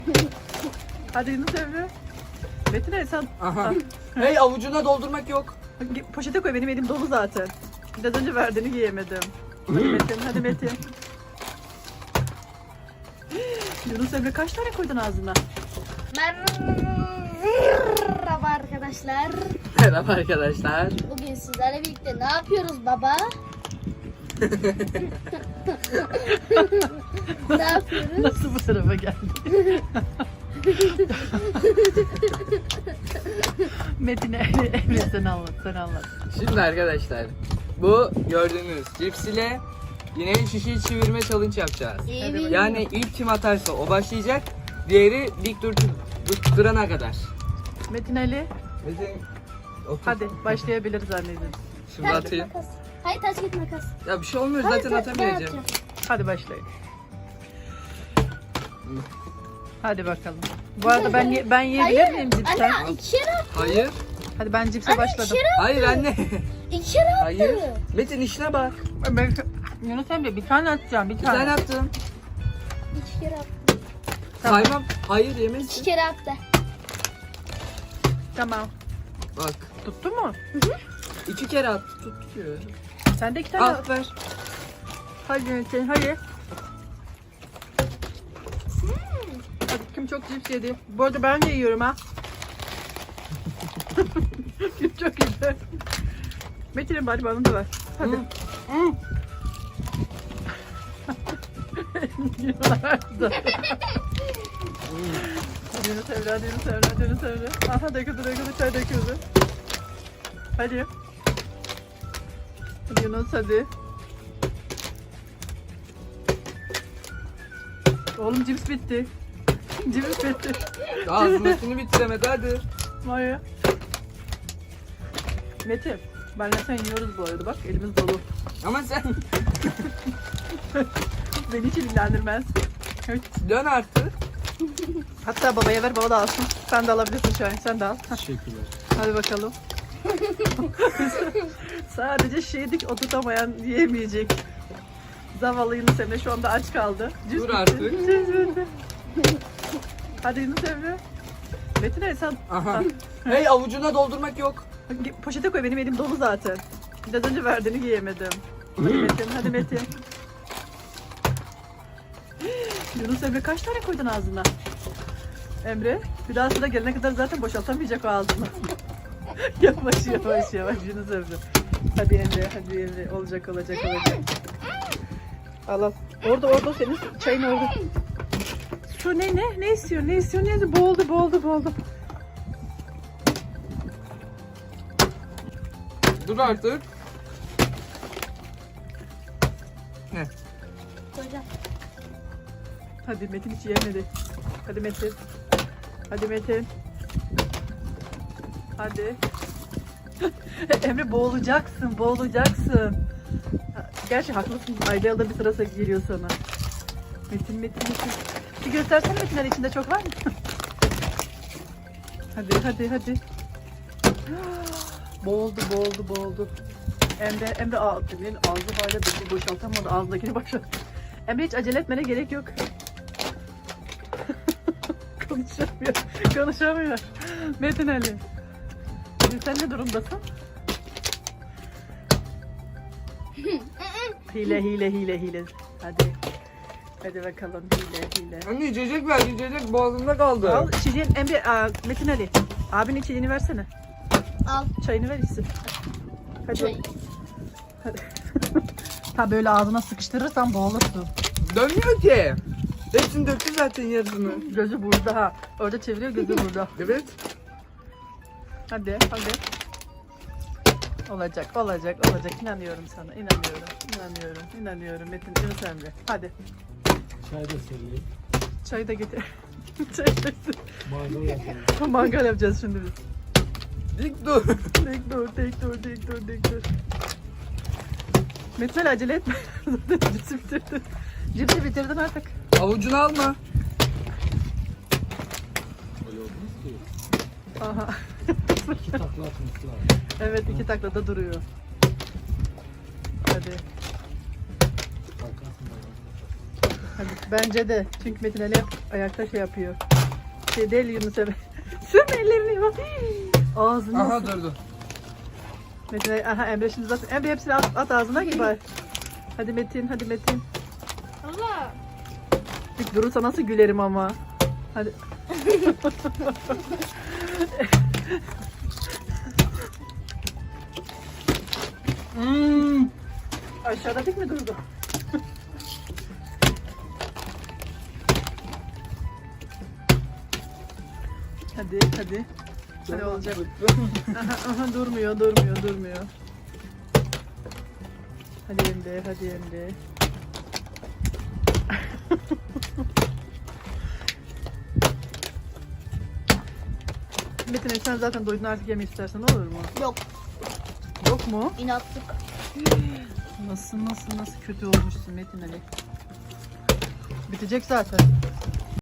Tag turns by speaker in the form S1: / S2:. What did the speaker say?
S1: Hadi Yunus Emre. Metin Ali sen...
S2: Aha. Hey, avucuna doldurmak yok.
S1: Poşete koy, benim elim dolu zaten. Biraz önce verdiğini giyemedim. Hadi Metin, hadi Metin. Yunus Emre kaç tane koydun ağzına?
S3: Merhaba arkadaşlar.
S2: Merhaba arkadaşlar.
S3: Bugün sizlerle birlikte ne yapıyoruz baba? Ne yapıyoruz?
S1: Nasıl bu tarafa geldi? Metin Emre sen anlat, sen anlat.
S2: Şimdi arkadaşlar, bu gördüğünüz cips ile yine şişeyi çevirme challenge yapacağız.
S3: Evet.
S2: Yani ilk kim atarsa o başlayacak. Diğeri dik durana kadar.
S1: Metin Ali,
S2: Metin, otur.
S1: hadi başlayabiliriz anneciğim.
S2: Şimdi
S3: Taş git
S2: atayım.
S3: makas. Hayır taş git makas.
S2: Ya bir şey olmuyor,
S3: Hayır,
S2: zaten
S3: ben
S2: atamayacağım.
S3: yapacağım.
S1: Hadi başlayın. Hadi bakalım. Bu arada ben yiyebilir miyim cipsten?
S3: Anne ikişer attı.
S2: Hayır.
S1: Hadi ben cipse
S3: Anne
S1: başladım.
S3: ikişer attı.
S2: Hayır anne.
S3: İkişer attı.
S2: Hayır. Metin işine bak.
S1: Ben, Yunus Emre bir tane atacağım, bir
S2: Bir
S1: tane.
S2: tane attım.
S3: İkişer attı.
S1: Tamam.
S2: Saymam. Hayır yemezsin.
S3: İkişer attı.
S1: Tamam.
S2: Bak.
S1: Tuttu mu?
S2: 2 kere attı. Tutuyor.
S1: Sen de iki tane
S2: Al
S1: at.
S2: ver.
S1: Hadi Metin, hadi. Hadi kim çok cips yedi. Bu arada ben de yiyorum ha. Kim çok yedi. Metin'in bari bana da ver. Hadi.
S2: Hı.
S1: Hadi Yunus Emre, hadi Yunus Emre, hadi Yunus Emre. Aha döküldü, çay döküldü. Hadi. Hadi Yunus hadi. Oğlum cips bitti. Cips bitti.
S2: Ağzındakini bitiremedi hadi.
S1: Vay. Metin, benle sen yiyoruz bu arada bak elimiz dolu.
S2: Ama sen
S1: Beni hiç ilgilendirmez. Evet.
S2: dön artık.
S1: Hatta babaya ver, baba da alsın. Sen de alabilirsin şu an, sen de al.
S2: Teşekkürler.
S1: Hadi bakalım. Sadece şeydik, oturtamayan yiyemeyecek. Zavallı Yunus Emre şu anda aç kaldı. Cüz
S2: Dur
S1: bitti.
S2: artık.
S1: Cüz bitti. Hadi Yunus Emre. Metin Ali sen...
S2: Aha. Hey, avucuna doldurmak yok.
S1: Poşete koy, benim elim dolu zaten. Biraz önce verdiğini giyemedim. Hadi Metin, hadi Metin. Yunus Emre kaç tane koydun ağzına? Emre, bir daha sıra gelene kadar zaten boşaltamayacak o ağzını. Yavaş Yunus Emre. Hadi Emre, olacak. Al al. Orada senin çayın orada. Su ne istiyor? Boğuldu.
S2: Dur artık. Ne?
S3: Hocam.
S1: Hadi Metin hiç yemedi. Hadi Metin. Hadi. Emre boğulacaksın. Gerçi haklısın. Ayda yılda bir sırası geliyor sana. Metin. Bir göstersene Metinler içinde çok var mı? Hadi. Boğuldu. Emre ağzı hala bir boşaltamadı. Ağzındakini boşalt. Emre hiç acele etmene gerek yok. Konuşamıyor. Metin Ali. Sen ne durumdasın? Hile. Hadi bakalım hile.
S2: Anne içecek ver, içecek boğazımda kaldı.
S1: Al içeceğin Emre, Metin Ali. Abinin içeceğini versene.
S3: Al.
S1: Çayını ver içsin. Hadi.
S3: Çay.
S1: Hadi. Ha böyle ağzına sıkıştırırsan boğulursun.
S2: Dönmüyor ki. Hepsini döktü zaten yarısını.
S1: Gözü burada ha. Orada çeviriyor, gözü burada.
S2: Evet.
S1: Hadi. Olacak. İnanıyorum sana. İnanıyorum. Metin, Yunus Emre. Hadi.
S4: Çay da söyleyeyim.
S1: Çayı da getir. Çay da
S4: Mangal yapalım.
S1: Mangal yapacağız şimdi biz.
S2: Dik dur.
S1: Tek dur. Metin Ali acele etme. Cipsi bitirdin artık.
S2: Avucunu alma.
S4: Öyle olmaz ki.
S1: Aha.
S4: 2 takla atması lazım.
S1: Evet 2 taklada duruyor. Hadi.
S4: Kalkarsın da.
S1: Hadi. Bence de. Çünkü Metin Ali hep ayakta şey yapıyor. Şey değil Yunus Emre. Sürme ellerini bak. Ağzına.
S2: Aha durdu.
S1: Metin Ali, aha Emre şimdi zaten. Emre hepsini at ağzına gibi bari. Hadi Metin, hadi Metin.
S3: Baba.
S1: Bir durursa nasıl gülerim ama. Hadi. Aşağıda tek mi durdu? Hadi, hadi. Hadi olacak. Aha, durmuyor. Hadi Emre, hadi Emre. Metin Ali, sen zaten doydun, artık yeme istersen olur mu?
S3: Yok.
S1: Yok mu?
S3: İnatlık.
S1: Nasıl kötü olmuşsun Metin Ali. Bitecek zaten.